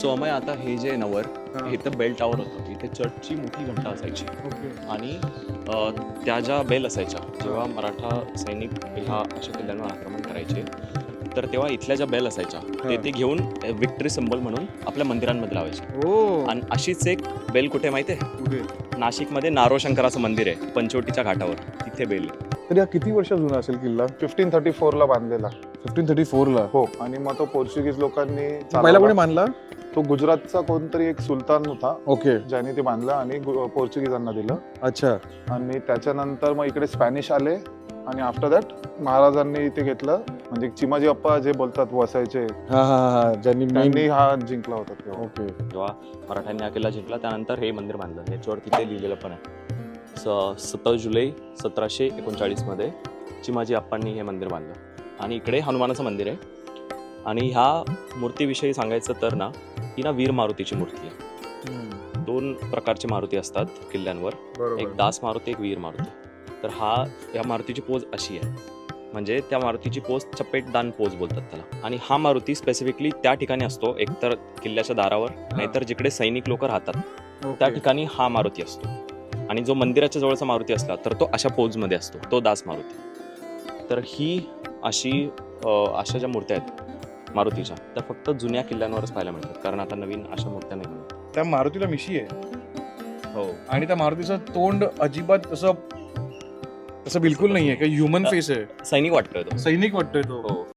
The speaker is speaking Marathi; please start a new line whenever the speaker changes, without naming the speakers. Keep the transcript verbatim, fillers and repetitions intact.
सो अमय आता हे जे नवर
हा.
हे तर बेल टावर होतं, इथे चर्चची मोठी घंटा असायची
ओके.
आणि अ, त्या ज्या बेल असायच्या जेव्हा मराठा सैनिक ह्या अशा किल्ल्यांवर आक्रमण करायचे तर तेव्हा इथल्या ज्या बेल असायच्या ते
हा.
ते घेऊन विक्टरी सिम्बॉल म्हणून आपल्या मंदिरांमध्ये लावायचे.
ओ
आणि अशीच एक बेल कुठे माहिती आहे?
कुठे?
नाशिकमध्ये नारो शंकराचं मंदिर आहे पंचवटीच्या घाटावर, तिथे बेल आहे.
तर या किती वर्ष जुना असेल किल्ला?
फिफ्टीन थर्टी फोर ला बांधलेला.
फिफ्टीन थर्टी फोर ला.
हो, आणि मग तो पोर्चुगीज लोकांनी
पहिला
चालवला.
कोणी बांधला?
तो गुजरातचा कोणतरी एक सुलतान होता
ओके.
ज्याने ते बांधलं आणि गु- पोर्चुगीजांना दिलं.
अच्छा.
आणि त्याच्यानंतर मग इकडे स्पॅनिश आले आणि आफ्टर दॅट महाराजांनी इथे घेतलं. म्हणजे चिमाजी अप्पा जे बोलतात वसायचे,
हा हा हा ज्यांनी
त्यांनी
main-
हा जिंकला होता तेव्हा.
ओके.
जेव्हा मराठ्यांनी हा किल्ला जिंकला त्यानंतर हे मंदिर बांधलं. याच्यावर तिथे लिहिलेलं पण आहे स सत्तावीस जुलै सतराशे एकोणचाळीसमध्ये चिमाजी अप्पांनी हे मंदिर बांधलं. आणि इकडे हनुमानाचं मंदिर आहे. आणि ह्या मूर्तीविषयी सांगायचं तर ना, ही ना वीर मारुतीची मूर्ती आहे.
हम्म.
दोन प्रकारचे मारुती असतात किल्ल्यांवर,
बरोबर.
एक दास मारुती, एक वीर मारुती. तर हा या मारुतीची पोज अशी आहे, म्हणजे त्या मारुतीची पोज चपेटदान पोज बोलतात त्याला. आणि हा मारुती स्पेसिफिकली त्या ठिकाणी असतो, एकतर किल्ल्याच्या दारावर, नाहीतर जिकडे सैनिक लोक राहतात
ओके.
त्या ठिकाणी हा मारुती असतो. आणि जो मंदिराच्या जवळचा मारुती असला तर तो अशा पोजमध्ये असतो, तो दास मारुती. तर ही अशी अ, अशा ज्या मूर्त्या आहेत मारुतीच्या त्या फक्त जुन्या किल्ल्यांवरच पाहायला मिळतात, कारण आता नवीन अशा मूर्त्या नाही मिळत.
त्या मारुतीला मिशी आहे
हो,
आणि त्या मारुतीचं तोंड अजिबात तसं तसं बिलकुल नाहीये, काही ह्युमन फेस आहे.
सैनिक वाटतोय तो.
सैनिक वाटतोय तो.
हो.